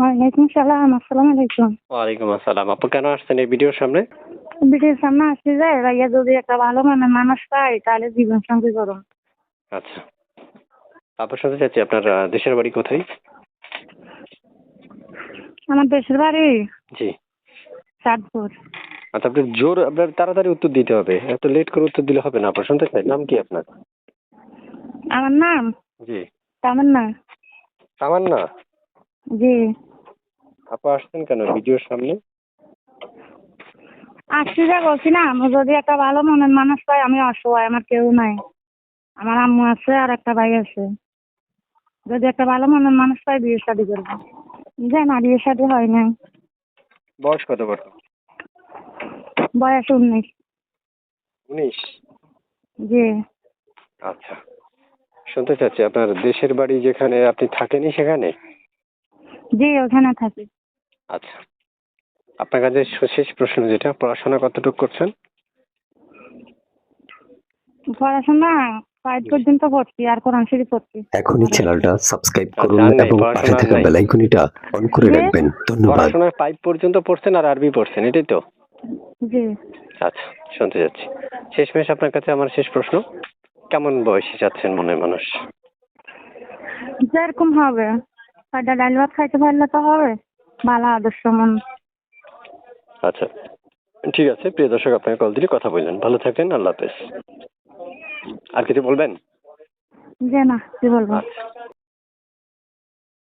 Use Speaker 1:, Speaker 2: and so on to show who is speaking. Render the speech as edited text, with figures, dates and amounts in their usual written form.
Speaker 1: ওয়ালাইকুম সালাম, আসসালামু আলাইকুম।
Speaker 2: ওয়ালাইকুম আসসালাম। আপু কেন আসছেন এই ভিডিওর সামনে?
Speaker 1: ভিডিওর সামনে আসতে যায় ভাইয়া, যদি একটা ভালো মানের মানুষ পাই তাহলে জীবন সঙ্গী করুন।
Speaker 2: আচ্ছা, আপনার শুনতে চাচ্ছি আপনার দেশের বাড়ি কোথায়?
Speaker 1: আমার দেশের বাড়ি
Speaker 2: জি।
Speaker 1: চাঁদপুর।
Speaker 2: আচ্ছা, আপনার তাড়াতাড়ি উত্তর দিতে হবে, এত লেট করে উত্তর দিলে হবে না। আপনার শুনতে চাই, নাম কি আপনার?
Speaker 1: আমার নাম
Speaker 2: জি।
Speaker 1: তামান্না।
Speaker 2: তামান্না।
Speaker 1: জি।
Speaker 2: আপু আসছেন কেন ভিডিওর সামনে?
Speaker 1: আসতে যা বলছি না, আমি যদি একটা ভালো মনের মানুষ পাই, আমি অসহায়, আমার কেউ নাই। আমার আম্মু আছে আর একটা ভাই আছে। যদি একটা ভালো মনের মানুষ পাই বিয়ে শাদী করবো। যে না, বিয়ে শাদী হয় নাই।
Speaker 2: বয়স কত বড়?
Speaker 1: বয়স 19।
Speaker 2: 19।
Speaker 1: জি।
Speaker 2: আচ্ছা, শুনতে চাচ্ছি আপনার দেশের বাড়ি যেখানে আপনি থাকেনই সেখানে?
Speaker 1: জি, ওখানে থাকি।
Speaker 2: আচ্ছা, আপনার কাছে শেষ প্রশ্ন যেটা, পড়াশোনা কতটুকু করছেন?
Speaker 1: পড়াশোনা 5 পর্যন্ত পড়ছি, আর কোরআন শরীফ পড়ছি।
Speaker 3: এখনই চ্যানেলটা সাবস্ক্রাইব করুন
Speaker 2: আর নাই,
Speaker 3: এবং পাশে
Speaker 2: পড়াশোনা আর
Speaker 3: থাকা
Speaker 2: নাই।
Speaker 3: বেল আইকনটা অন করে
Speaker 1: জি?
Speaker 3: রাখবেন। ধন্যবাদ।
Speaker 2: পড়াশোনায় 5 পর্যন্ত পড়ছেন আর আরবি পড়ছেন, এটাই তো?
Speaker 1: জি।
Speaker 2: আচ্ছা, শুনতে যাচ্ছি। শেষমেশ আপনার কাছে আমার শেষ প্রশ্ন, কেমন বয়সে যাচ্ছেন মনে মানুষ?
Speaker 1: যেরকম হবে, কয়টা ডাল ভাত খাইতে পারলে তো হবে। ভালো আদর্শ মন।
Speaker 2: আচ্ছা, ঠিক আছে। প্রিয় দর্শক, আপনাকে কল দিলে কথা বললেন। ভালো থাকেন, আল্লাহ হাফেজ। আর কিছু বলবেন?
Speaker 1: যে না, কি বলবো।
Speaker 2: আচ্ছা।